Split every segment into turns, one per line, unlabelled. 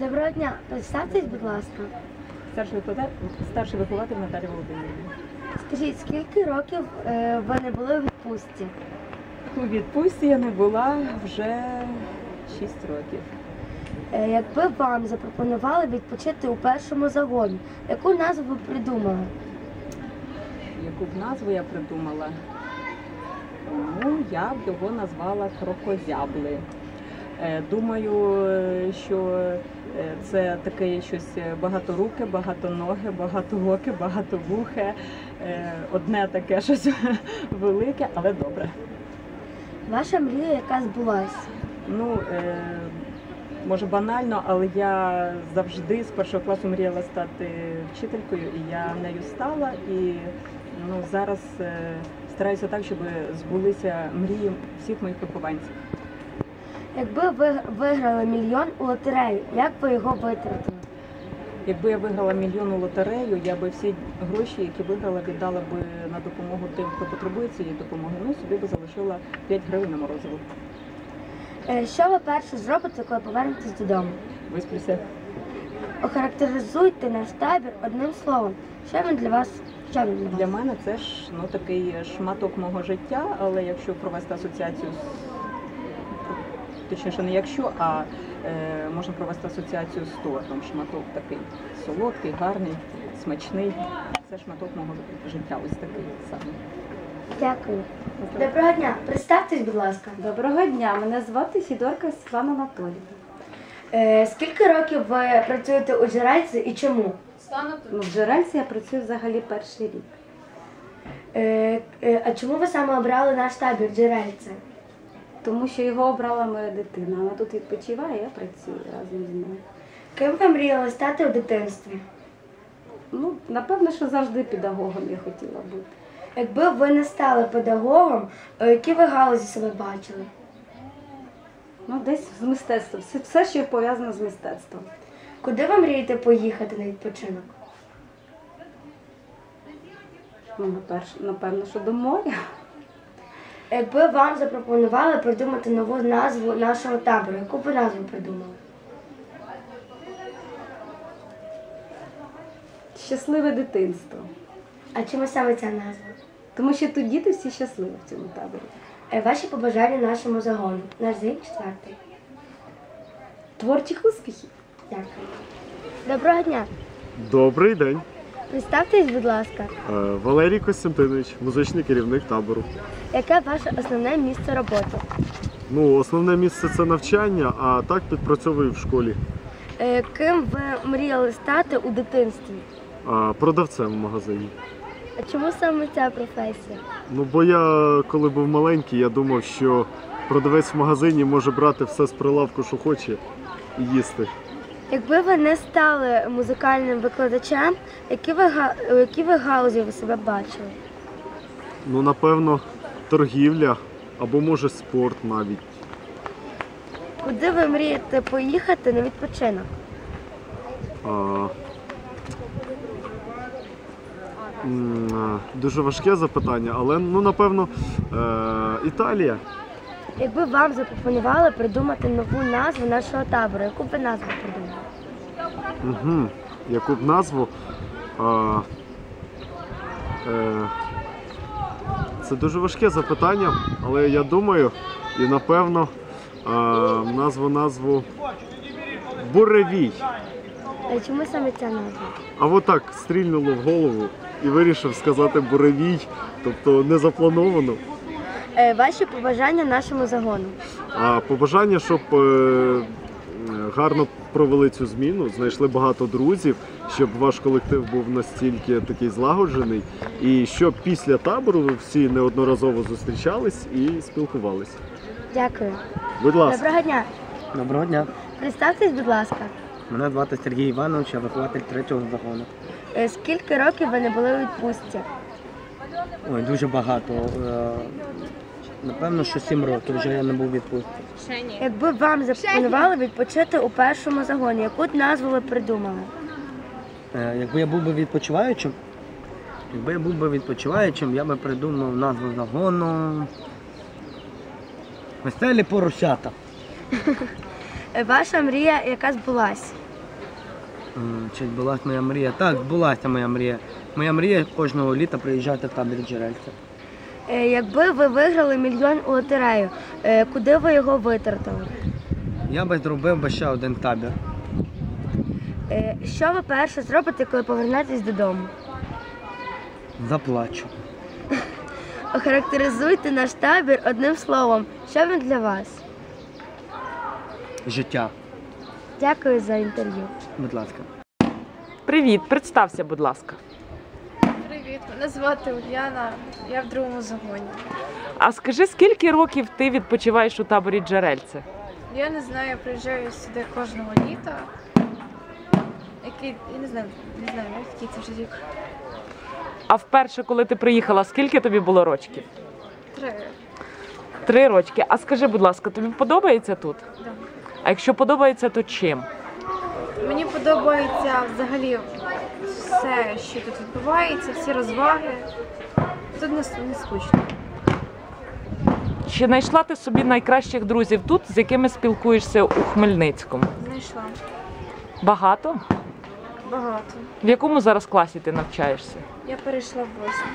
Доброго дня, представтесь, будь ласка.
Старший вихователь Наталія Володимирівна.
Скажіть, скільки років ви не були у відпустці?
У відпустці я не була вже 6 років.
Якби вам запропонували відпочити у першому загоні, яку назву ви придумали?
Яку б назву я придумала? Ну, я б його назвала крокозябли. Думаю, що це таке щось багаторуке, багатоноге, багатооке, багатовухе. Одне таке щось велике, але добре.
Ваша мрія яка збулась?
Ну, може банально, але я завжди з першого класу мріяла стати вчителькою, і я нею стала. І зараз стараюся так, щоб збулися мрії всіх моїх вихованців.
Якби ви виграли мільйон у лотерею, як би його витратили?
Якби я виграла мільйон у лотерею, я би всі гроші, які виграла, віддала би на допомогу тим, хто потребує цієї допомоги. Ну, собі би залишила 5 гривень на морозиво.
Що ви перше зробите, коли повернетесь додому?
Висплюся.
Охарактеризуйте наш табір одним словом. Що він для вас?
Для мене це ж такий шматок мого життя, але якщо провести асоціацію точніше, не якщо, а можна провести асоціацію з тортом. Шматок такий солодкий, гарний, смачний. Це шматок мого життя, ось такий самий.
Дякую. Доброго дня. Представтесь, будь ласка.
Доброго дня. Мене звати Сідорка Світлана Анатоліївна.
Скільки років ви працюєте у Джерельці і чому?
В Джерельці я працюю взагалі перший рік.
А чому ви саме обрали наш табір Джерельце?
Тому що його обрала моя дитина. Вона тут відпочиває, я працюю разом з нею.
Ким ви мріяли стати у дитинстві?
Ну, напевно, що завжди педагогом я хотіла бути.
Якби ви не стали педагогом, у якій ви галузі себе бачили?
Ну, десь з мистецтвом. Все, що пов'язано з мистецтвом.
Куди ви мрієте поїхати на відпочинок?
Ну, напевно, що до моря.
Якби вам запропонували придумати нову назву нашого табору, яку б ви назву придумали?
Щасливе дитинство.
А чому саме ця назва?
Тому що тут діти всі щасливі в цьому таборі.
Ваші побажання нашому загону. Наш ЗІК 4.
Творчих успіхів.
Дякую. Доброго дня.
Добрий день.
Представтесь, будь ласка.
Валерій Костянтинович, музичний керівник табору.
Яке ваше основне місце роботи?
Ну, основне місце – це навчання, а так підпрацьовую в школі.
Ким ви мріяли стати у дитинстві?
Продавцем в магазині.
А чому саме ця професія?
Ну, бо я, коли був маленький, я думав, що продавець в магазині може брати все з прилавку, що хоче, і їсти.
Якби ви не стали музикальним викладачем, у якій ви галузі ви себе бачили?
Ну, напевно, торгівля, або, може, спорт навіть.
Куди ви мрієте поїхати на відпочинок?
Дуже важке запитання, але, ну, напевно, Італія.
Якби вам запропонували придумати нову назву нашого табору, яку б ви назву придумали?
Яку б назву? Це дуже важке запитання, але я думаю, і напевно назву Буревій.
А чому саме ця назва?
А от так стрільнуло в голову і вирішив сказати Буревій, тобто не заплановано.
Ваші побажання нашому загону?
Побажання, щоб гарно провели цю зміну, знайшли багато друзів, щоб ваш колектив був настільки такий злагоджений, і щоб після табору ви всі неодноразово зустрічались і спілкувались.
Дякую.
Будь ласка.
Доброго дня.
Доброго дня.
Представтесь, будь ласка.
Мене звати Сергій Іванович, я вихователь 3-го загону.
Скільки років ви не були у відпустці?
Ой, дуже багато. Напевно, що 7 років вже я не був у відпустці.
Якби вам запропонували відпочити у першому загоні, яку б назву ви придумали?
Якби я був би відпочиваючим, я би придумав назву загону «Веселі поросята».
Ваша мрія яка збулась?
Чи збулася моя мрія? Так, збулася моя мрія. Моя мрія кожного літа приїжджати в табір Джерельця.
Якби ви виграли мільйон у лотерею, куди ви його витратили?
Я би зробив би ще один табір.
Що ви перше зробите, коли повернетесь додому?
Заплачу.
Охарактеризуйте наш табір одним словом. Що він для вас?
Життя.
Дякую за інтерв'ю.
Будь ласка.
Привіт, представся, будь ласка.
Привіт, мене звати Ульяна, я в другому загоні.
А скажи, скільки років ти відпочиваєш у таборі Джерельце?
Я не знаю, я приїжджаю сюди кожного літа. Я не знаю, який це вже рік.
А вперше, коли ти приїхала, скільки тобі було рочків?
3.
3 рочки. А скажи, будь ласка, тобі подобається тут?
Да.
А якщо подобається, то чим?
Мені подобається взагалі все, що тут відбувається, всі розваги. Тут не скучно.
Чи знайшла ти собі найкращих друзів тут, з якими спілкуєшся у Хмельницькому?
Знайшла
Багато?
багато.
В якому зараз класі ти навчаєшся?
Я перейшла в 8.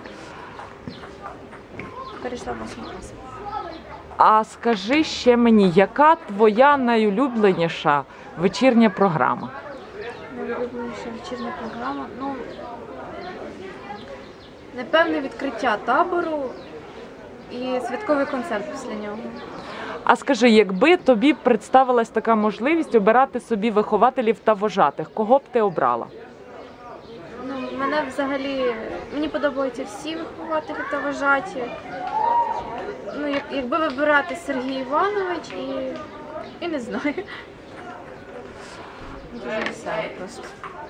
Перейшла в 8 клас.
А скажи ще мені, яка твоя найулюбленіша вечірня програма?
Найулюбленіша вечірня програма. Ну, напевне, відкриття табору і святковий концерт після нього.
А скажи, якби тобі представилась така можливість обирати собі вихователів та вожатих, кого б ти обрала?
Ну, мені подобаються всі вихователі та вожаті. Ну, якби вибирати Сергій Іванович і не знаю. Дуже весело просто.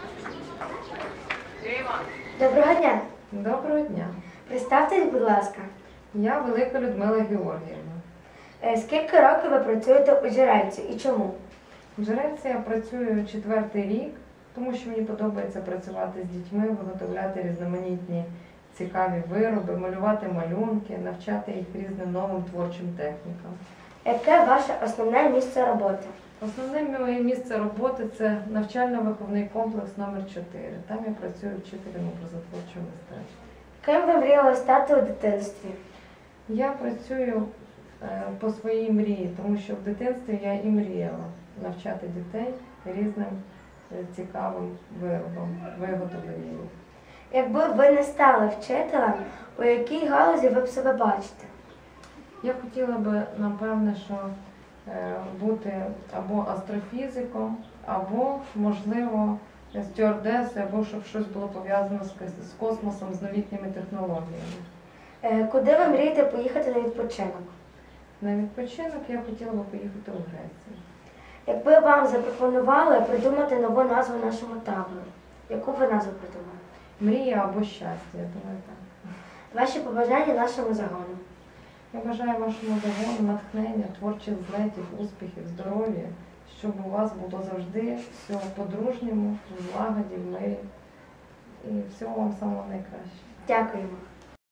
Доброго дня.
Доброго дня.
Представтесь, будь ласка.
Я Велика Людмила Георгіївна.
Скільки років ви працюєте у Джерельці і чому?
В Джерельці я працюю 4-й рік, тому що мені подобається працювати з дітьми, виготовляти різноманітні цікаві вироби, малювати малюнки, навчати їх різним новим творчим технікам.
Яке ваше основне місце роботи?
Основне моє місце роботи – це навчально-виховний комплекс номер 4. Там я працюю вчителем образотворчого мистецтва.
Ким ви мріяли стати у дитинстві?
Я працюю по своїй мрії, тому що в дитинстві я і мріяла навчати дітей різним цікавим виробам, виготовленням.
Якби ви не стали вчителем, у якій галузі ви б себе бачите?
Я хотіла би, напевне, що бути або астрофізиком, або, можливо, стюардесою, або щоб щось було пов'язано з космосом, з новітніми технологіями.
Куди ви мрієте поїхати на відпочинок?
На відпочинок я хотіла би поїхати у Грецію.
Якби вам запропонували придумати нову назву нашому табору, яку б ви назву придумали?
Мрія або щастя, я думаю, так.
Ваші побажання нашому загону.
Я бажаю вашому загону натхнення, творчих злетів, успіхів, здоров'я, щоб у вас було завжди все по-дружньому, в злагоді, в мирі. І всього вам самого найкращого.
Дякуємо.